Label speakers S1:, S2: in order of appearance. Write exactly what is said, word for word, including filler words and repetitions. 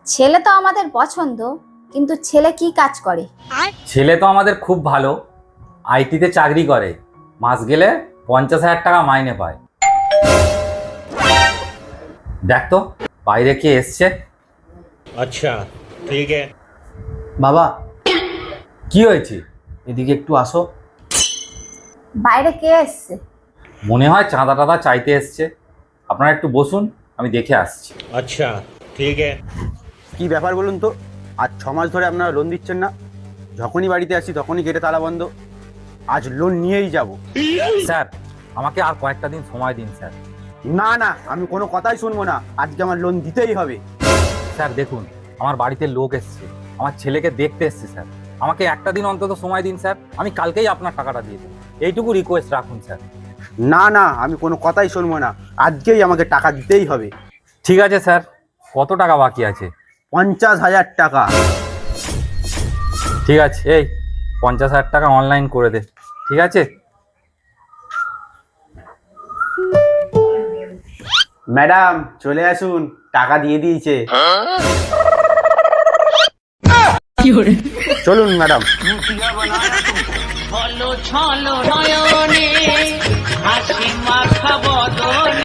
S1: ছেলে তো আমাদের পছন্দ, কিন্তু ছেলে কি কাজ করে?
S2: ছেলে তো আমাদের খুব ভালো, আইটিতে চাকরি করে, মাস গেলে পঞ্চাশ হাজার টাকা মাইনে পায়। দেখ তো বাইরে কে এসছে।
S3: अच्छा ठीक है।
S4: বাবা,
S2: কি হয়েছে?
S4: এদিকে একটু আসো।
S1: বাইরে কে এসছে?
S2: মনে হয় চাঁদা টাদা চাইতে এসছে। আপনারা একটু বসুন, আমি দেখে আসছি।
S3: अच्छा ठीक है।
S4: কি ব্যাপার বলুন তো? আজ ছ মাস ধরে আপনারা লোন দিচ্ছেন না। যখনই বাড়িতে আসি তখনই গেটে তালা বন্ধ। আজ লোন নিয়েই যাব।
S2: স্যার, আমাকে আর কয়েকটা দিন সময় দিন স্যার।
S4: না না, আমি কোনো কথাই শুনবো না। আজকে আমার লোন দিতেই হবে।
S2: স্যার দেখুন, আমার বাড়িতে লোক এসছে, আমার ছেলেকে দেখতে এসছে স্যার। আমাকে একটা দিন অন্তত সময় দিন স্যার, আমি কালকেই আপনার টাকাটা দিয়ে দেবো। এইটুকু রিকোয়েস্ট রাখুন স্যার।
S4: না না, আমি কোনো কথাই শুনবো না। আজকেই আমাকে টাকা দিতেই হবে।
S2: ঠিক আছে স্যার, কত টাকা বাকি আছে?
S4: পঞ্চাশ হাজার টাকা।
S2: ঠিক আছে, এই পঞ্চাশ হাজার টাকা অনলাইন করে দে। ঠিক আছে?
S4: ম্যাডাম চলে আসুন, টাকা দিয়ে দিয়েছে। চলুন ম্যাডাম।
S5: ছলো ছলো নয়নে হাসি মাখা বদনে